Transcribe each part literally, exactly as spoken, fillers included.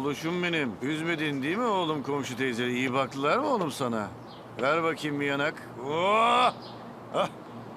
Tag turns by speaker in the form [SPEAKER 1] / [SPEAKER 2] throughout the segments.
[SPEAKER 1] Oğluşum benim. Üzmedin değil mi oğlum komşu teyze? İyi baktılar mı oğlum sana? Ver bakayım bir yanak. Oh! Ah!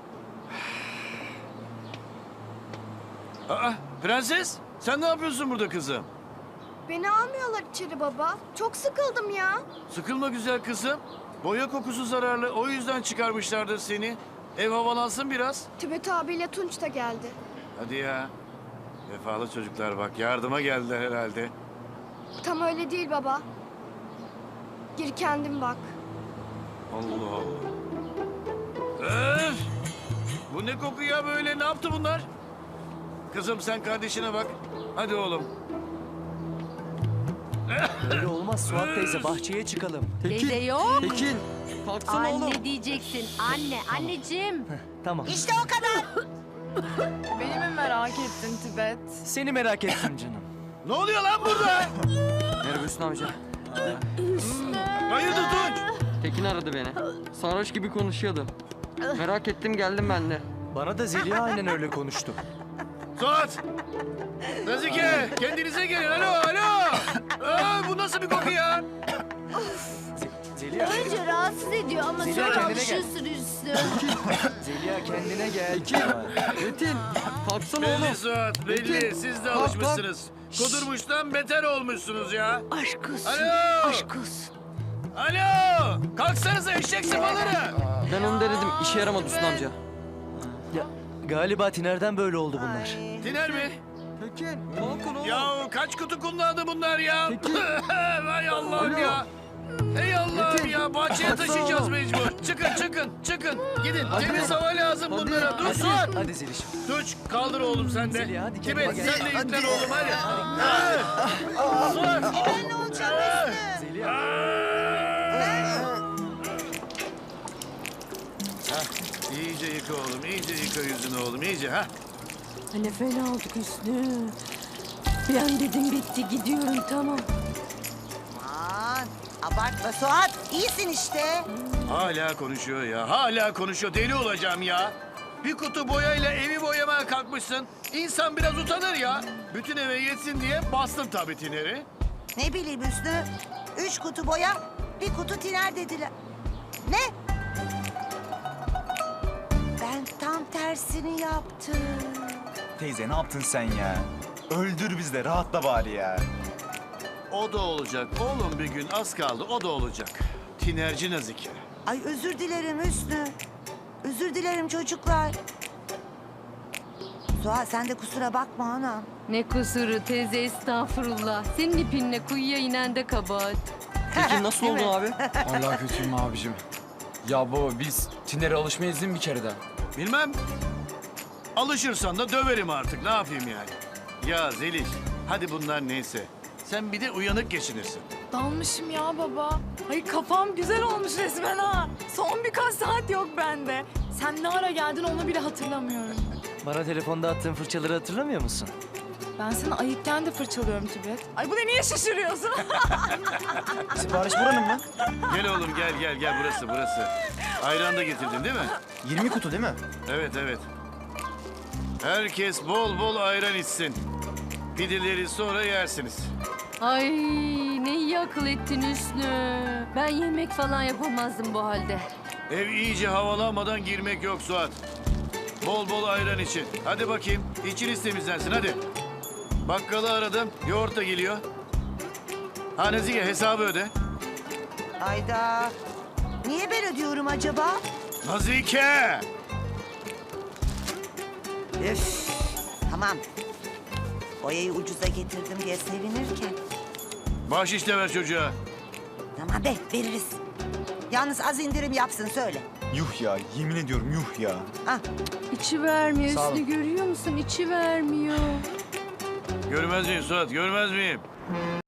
[SPEAKER 1] Aa, prenses, sen ne yapıyorsun burada kızım?
[SPEAKER 2] Beni almıyorlar içeri baba. Çok sıkıldım ya.
[SPEAKER 1] Sıkılma güzel kızım. Boya kokusu zararlı, o yüzden çıkarmışlardır seni. Ev havalansın biraz.
[SPEAKER 2] Tibet abiyle Tunç da geldi.
[SPEAKER 1] Hadi ya. Vefalı çocuklar bak, yardıma geldiler herhalde.
[SPEAKER 2] Tam öyle değil baba. Gir kendin bak.
[SPEAKER 1] Allah Allah. Öf! Bu ne koku ya böyle? Ne yaptı bunlar? Kızım sen kardeşine bak. Hadi oğlum.
[SPEAKER 3] Öyle olmaz Suat teyze, bahçeye çıkalım.
[SPEAKER 4] Teyze yok.
[SPEAKER 3] Tekin, kalksana oğlum.
[SPEAKER 4] Anne diyeceksin. Anne, anneciğim.
[SPEAKER 3] Tamam.
[SPEAKER 5] İşte o kadar.
[SPEAKER 6] Beni mi merak ettin Tibet?
[SPEAKER 3] Seni merak ettim canım.
[SPEAKER 1] Ne oluyor lan burada?
[SPEAKER 7] Merhaba Hüsnü amca.
[SPEAKER 1] Hayırdır Tunç?
[SPEAKER 7] Tekin aradı beni. Sarhoş gibi konuşuyordu. Merak ettim geldim ben de.
[SPEAKER 3] Bana da Zeliha aynen öyle konuştu.
[SPEAKER 1] Suat! Nazike! Kendinize gelin. Alo, alo! Aa, bu nasıl bir koku ya?
[SPEAKER 3] Zeliha,
[SPEAKER 4] Önce rahatsız ediyor ama
[SPEAKER 3] Zeliha,
[SPEAKER 4] sonra
[SPEAKER 3] kendine gel.
[SPEAKER 4] alışırsın Hüsnü.
[SPEAKER 3] Zeliha kendine gel.
[SPEAKER 7] Metin, kalksana
[SPEAKER 1] Belli
[SPEAKER 7] oğlum.
[SPEAKER 1] Suat, belli.
[SPEAKER 7] Metin,
[SPEAKER 1] Siz de
[SPEAKER 7] kalk,
[SPEAKER 1] alışmışsınız. Kudurmuştan beter olmuşsunuz ya.
[SPEAKER 4] Aşk olsun.
[SPEAKER 1] Alo!
[SPEAKER 4] Aşk olsun.
[SPEAKER 1] Alo! Kalksanıza eşek sıfaları!
[SPEAKER 7] Ben onu denedim, işe yaramadı Hüsnü amca.
[SPEAKER 3] Ya, galiba Tiner'den böyle oldu bunlar.
[SPEAKER 1] Tiner mi?
[SPEAKER 7] Tekin, kalkın oğlum.
[SPEAKER 1] Ya kaç kutu kullandı bunlar ya?
[SPEAKER 7] Peki.
[SPEAKER 1] Vay Allah'ım
[SPEAKER 7] Alo.
[SPEAKER 1] ya. Ey Allah'ım
[SPEAKER 7] Metin,
[SPEAKER 1] ya, bahçeye
[SPEAKER 7] kalksana
[SPEAKER 1] taşıyacağız
[SPEAKER 7] oğlum.
[SPEAKER 1] mecbur. Çıkın çıkın çıkın. Gidin,
[SPEAKER 7] Hadi.
[SPEAKER 1] temiz hava lazım
[SPEAKER 7] Hadi.
[SPEAKER 1] bunlara. Dur
[SPEAKER 3] Hadi,
[SPEAKER 1] Suat.
[SPEAKER 3] hadi Zelişim.
[SPEAKER 1] Tuç kaldır oğlum sen de.
[SPEAKER 3] Zeliha, hadi
[SPEAKER 1] Tibet
[SPEAKER 3] kendine gel.
[SPEAKER 1] sen de yüklen oğlum hadi. Ha. Suat.
[SPEAKER 5] Ben ne olacağım Hüsnü?
[SPEAKER 3] Zeliha.
[SPEAKER 1] Hah, iyice yıka oğlum, iyice yıka yüzünü oğlum, iyice ha.
[SPEAKER 4] Ne fena olduk Hüsnü. Bir an dedim bitti gidiyorum tamam.
[SPEAKER 5] Aman abartma Suat. İyisin işte.
[SPEAKER 1] Hala konuşuyor ya, hala konuşuyor. Deli olacağım ya. Bir kutu boyayla evi boyamaya kalkmışsın. İnsan biraz utanır ya. Bütün eve yetsin diye bastın tabii tineri.
[SPEAKER 5] Ne bileyim Hüsnü. Üç kutu boya, bir kutu tiner dediler. Ne? Ben tam tersini yaptım.
[SPEAKER 8] Teyze ne yaptın sen ya? Öldür biz de rahatla bari ya.
[SPEAKER 1] O da olacak oğlum, bir gün az kaldı, o da olacak. Tinerci Nazike.
[SPEAKER 5] Ay özür dilerim Hüsnü. Özür dilerim çocuklar. Suat sen de kusura bakma anam.
[SPEAKER 4] Ne kusuru teyze estağfurullah. Senin ipinle kuyuya inen de kabahat.
[SPEAKER 7] Tekin nasıl
[SPEAKER 5] Değil
[SPEAKER 7] oldun
[SPEAKER 5] mi?
[SPEAKER 7] abi?
[SPEAKER 9] Allah kötüyüm abicim. Ya baba biz Tiner'e alışmayız değil mi bir kereden?
[SPEAKER 1] Bilmem. Alışırsan da döverim artık, ne yapayım yani. Ya Zeliş, hadi bunlar neyse. Sen bir de uyanık geçinirsin.
[SPEAKER 6] Dalmışım ya baba. Hayır kafam güzel olmuş resmen ha. Son birkaç saat yok bende. Sen ne ara geldin onu bile hatırlamıyorum.
[SPEAKER 3] Bana telefonda attığın fırçaları hatırlamıyor musun?
[SPEAKER 6] Ben sana ayıkken de fırçalıyorum Tibet. Ay bu da niye şaşırıyorsun?
[SPEAKER 8] Sipariş buranın mı?
[SPEAKER 1] Gel oğlum gel gel gel, burası burası. Ayran da getirdin değil mi?
[SPEAKER 8] yirmi kutu değil mi?
[SPEAKER 1] Evet evet. Herkes bol bol ayran içsin. Pideleri sonra yersiniz.
[SPEAKER 4] Ay ne iyi akıl ettin Hüsnü. Ben yemek falan yapamazdım bu halde.
[SPEAKER 1] Ev iyice havalanmadan girmek yok Suat. Bol bol ayran için. Hadi bakayım, içiniz temizlensin hadi. Bakkalı aradım, yoğurt da geliyor. Ha Nazike, hesabı öde.
[SPEAKER 5] Ayda. Niye ben ödüyorum acaba?
[SPEAKER 1] Nazike!
[SPEAKER 5] Üf. Tamam. Boyayı ucuza getirdim diye sevinirken.
[SPEAKER 1] Bahşiş de ver çocuğa.
[SPEAKER 5] Tamam be veririz. Yalnız az indirim yapsın söyle.
[SPEAKER 8] Yuh ya, yemin ediyorum yuh ya.
[SPEAKER 5] Ah,
[SPEAKER 4] İçi vermiyor
[SPEAKER 3] Sağ olun.
[SPEAKER 4] Hüsnü, görüyor musun? İçi vermiyor.
[SPEAKER 1] Görmez miyim Suat, görmez miyim?